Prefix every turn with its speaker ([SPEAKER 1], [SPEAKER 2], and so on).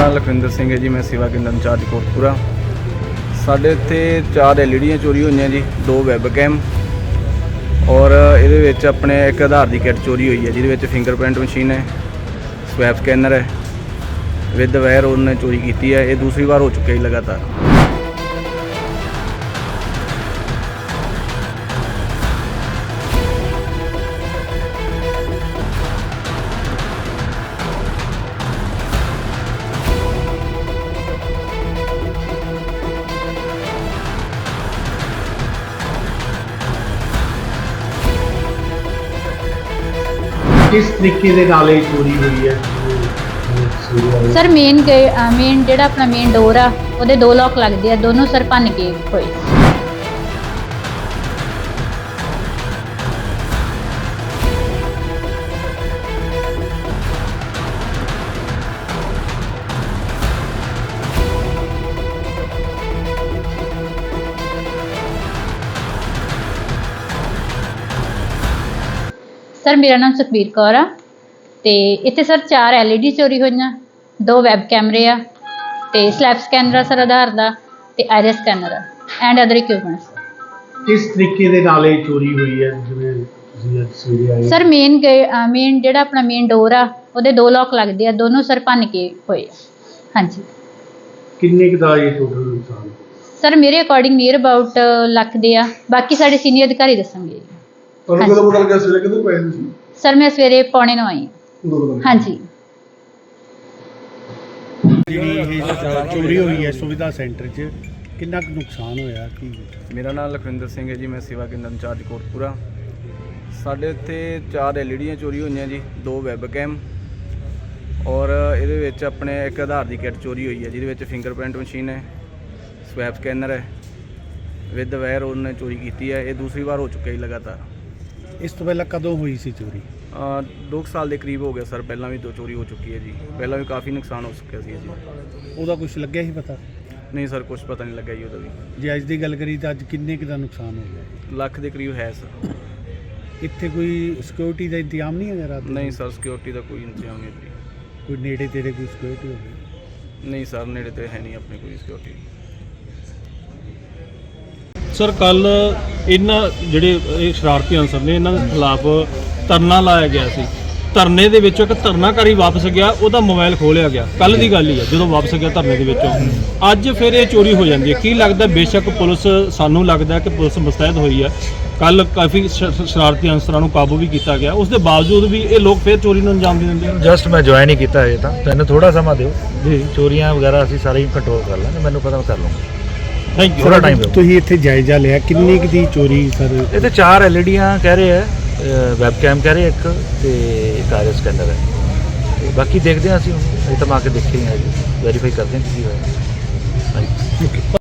[SPEAKER 1] नाम लखविंदर सिंह है जी। मैं सेवा केंद्र इंचार्ज कोटपुरा। साढ़े इत्थे 4 LED चोरी हुई जी, 2 वैब कैम और ये अपने एक आधार की किट चोरी हुई है जिसमें फिंगरप्रिंट मशीन है, स्वैप स्कैनर है, विद वायर उन्होंने चोरी की है। ये दूसरी बार हो चुकी है लगातार।
[SPEAKER 2] किस तरीके ਦੇ ਨਾਲ ਇਹ ਚੋਰੀ ਹੋਈ ਹੈ?
[SPEAKER 3] सर मेन ਜਿਹੜਾ ਆਪਣਾ ਮੇਨ ਡੋਰ ਆ ਉਹਦੇ 2 ਲੋਕ ਲੱਗਦੇ ਆ, ਦੋਨੋਂ ਸਰ ਭੰਨ ਕੇ ਹੋਏ। सर मेरा नाम सुखबीर कौर आ ते इत्थे सर 4 LED चोरी होईयां, 2 वैब कैमरे आ ते स्लैप स्कैनर आ सर आधार दा ते आईरिस स्कैनर आ एंड अदर इक्विपमेंट्स।
[SPEAKER 2] किस तरीके ਦੇ ਨਾਲ ਇਹ ਚੋਰੀ ਹੋਈ ਹੈ ਜਿਵੇਂ ਤੁਸੀਂ ਅੱਜ ਸਵੇਰੇ ਆਏ?
[SPEAKER 3] सर मेन ਜਿਹੜਾ ਆਪਣਾ ਮੇਨ ਡੋਰ ਆ ਉਹਦੇ 2 ਲੋਕ ਲੱਗਦੇ ਆ, ਦੋਨੋਂ ਸਰ ਭੰਨ ਕੇ ਹੋਏ ਆ। ਹਾਂਜੀ।
[SPEAKER 2] ਕਿੰਨੇ ਕੁ ਦਾ ਇਹ ਟੋਟਲ ਨੁਕਸਾਨ?
[SPEAKER 3] ਸਰ ਮੇਰੇ ਅਕੋਰਡਿੰਗ ਨੀਅਰ ਅਬਾਊਟ ਲੱਖ ਦੇ ਆ, ਬਾਕੀ ਸਾਡੇ ਸੀਨੀਅਰ ਅਧਿਕਾਰੀ ਦੱਸਣਗੇ।
[SPEAKER 2] ਤੁਹਾਨੂੰ ਕਦੋਂ ਪਤਾ ਲੱਗਿਆ ਸਵੇਰੇ ਕਿਦੋਂ ਪਏ ਤੁਸੀਂ?
[SPEAKER 3] ਸਰ ਮੈਂ ਸਵੇਰੇ 9:45 ਆਈ। ਹਾਂਜੀ।
[SPEAKER 2] ਜਿਹੜੀ ਇਹ ਚੋਰੀ ਹੋਈ ਹੈ ਸੁਵਿਧਾ ਸੈਂਟਰ 'ਚ ਕਿੰਨਾ ਕੁ ਨੁਕਸਾਨ ਹੋਇਆ? ਕੀ
[SPEAKER 1] मेरा नाम लखविंदर सिंह है जी। मैं सेवा केंद्र इंचार्ज कोटपुरा। साढ़े इत्थे 4 LED चोरी हुई जी, 2 वैब कैम और ये अपने एक आधार की किट चोरी हुई है जिसमें फिंगरप्रिंट मशीन है, स्वैप स्कैनर है, विद वायर उन्होंने चोरी की है। ये दूसरी बार हो चुकी है लगातार।
[SPEAKER 2] ਇਸ ਤੋਂ ਪਹਿਲਾਂ ਕਦੋਂ ਹੋਈ ਸੀ ਚੋਰੀ?
[SPEAKER 1] 2 साल के करीब हो गया सर। पहला भी 2 चोरी हो चुकी है जी, पहला भी काफ़ी नुकसान हो चुका है जी।
[SPEAKER 2] ਉਹਦਾ ਕੁਝ ਲੱਗਿਆ ਸੀ ਪਤਾ?
[SPEAKER 1] नहीं सर, कुछ पता नहीं लगा जी उहदा भी।
[SPEAKER 2] ਜੇ ਅੱਜ ਦੀ ਗੱਲ ਕਰੀ ਤਾਂ ਅੱਜ ਕਿੰਨੇ ਕੁ ਦਾ ਨੁਕਸਾਨ ਹੋ ਗਿਆ?
[SPEAKER 1] ਲੱਖ ਦੇ ਕਰੀਬ ਹੈ ਸਰ।
[SPEAKER 2] ਇੱਥੇ ਕੋਈ ਸਿਕਿਉਰਿਟੀ ਦਾ ਇੰਤਜ਼ਾਮ ਨਹੀਂ ਹੈਗਾ ਰਾਤ ਨੂੰ?
[SPEAKER 1] नहीं सर, सिक्योरिटी का कोई इंतजाम नहीं जी।
[SPEAKER 2] ਕੋਈ ਨੇੜੇ ਤੇੜੇ ਕੋਈ ਸਿਕਿਉਰਿਟੀ ਹੋਵੇ?
[SPEAKER 1] नहीं सर, नेड़े तो है नहीं अपने कोई सिक्योरिटी।
[SPEAKER 4] ਸਰ ਕੱਲ ਇਹਨਾਂ ਜਿਹੜੇ ਇਹ ਸ਼ਰਾਰਤੀ ਅਨਸਰ ਨੇ ਇਹਨਾਂ ਦੇ ਖਿਲਾਫ ਧਰਨਾ ਲਾਇਆ ਗਿਆ ਸੀ। ਧਰਨੇ ਦੇ ਵਿੱਚੋਂ ਇੱਕ ਧਰਨਾਕਾਰੀ ਵਾਪਸ ਗਿਆ, ਉਹਦਾ ਮੋਬਾਈਲ ਖੋਲਿਆ ਗਿਆ। ਕੱਲ ਦੀ ਗੱਲ ਹੀ ਹੈ ਜਦੋਂ ਵਾਪਸ ਗਿਆ ਧਰਨੇ ਦੇ ਵਿੱਚੋਂ। ਅੱਜ ਫਿਰ ਇਹ ਚੋਰੀ ਹੋ ਜਾਂਦੀ ਹੈ। ਕੀ ਲੱਗਦਾ? ਬੇਸ਼ੱਕ ਪੁਲਿਸ, ਸਾਨੂੰ ਲੱਗਦਾ ਕਿ ਪੁਲਿਸ ਮੁਸਤੈਦ ਹੋਈ ਹੈ। ਕੱਲ ਕਾਫੀ ਸ਼ਰਾਰਤੀ ਅਨਸਰਾਂ ਨੂੰ ਕਾਬੂ ਵੀ ਕੀਤਾ ਗਿਆ, ਉਸ ਦੇ ਬਾਵਜੂਦ ਵੀ ਇਹ ਲੋਕ ਫਿਰ ਚੋਰੀ ਨੂੰ ਅੰਜਾਮ ਦੇ ਦਿੰਦੇ ਹਨ।
[SPEAKER 5] ਜਸਟ ਮੈਂ ਜੁਆਇਨ ਹੀ ਕੀਤਾ ਹੈ ਤਾਂ ਤੈਨੂੰ ਥੋੜਾ ਸਮਾਂ ਦਿਓ ਜੀ। ਚੋਰੀਆਂ ਵਗੈਰਾ ਅਸੀਂ ਸਾਰੇ ਹੀ ਕੰਟਰੋਲ ਕਰ ਲਾਂਗੇ, ਮੈਨੂੰ ਪਤਾ ਮੈਂ ਕਰ ਲਵਾਂਗਾ।
[SPEAKER 4] Thank you.
[SPEAKER 5] ਥੋੜਾ ਟਾਈਮ ਦਿਓ।
[SPEAKER 2] ਤੁਸੀਂ ਇੱਥੇ ਜਾਇਜ਼ਾ ਲਿਆ ਕਿੰਨੀ ਕੁ ਦੀ ਚੋਰੀ ਸਰ?
[SPEAKER 5] ਇਹ ਤੇ 4 LEDਆਂ ਕਹਿ ਰਹੇ ਹੈ, ਵੈਬ ਕੈਮ ਕਹਿ ਰਹੇ ਇੱਕ ਤੇ ਇੱਕ ਆਈਰਿਸ ਸਕੈਨਰ ਹੈ। ਤੇ ਬਾਕੀ ਦੇਖਦੇ ਹਾਂ ਅਸੀਂ, ਇਹ ਤਾਂ ਮੈਂ ਆ ਕੇ ਦੇਖੇ ਹੀ ਹਾਂ ਜੀ, ਵੈਰੀਫਾਈ ਕਰਦੇ ਹਾਂ ਕੀ ਹੋਇਆ। ਹਾਂਜੀ।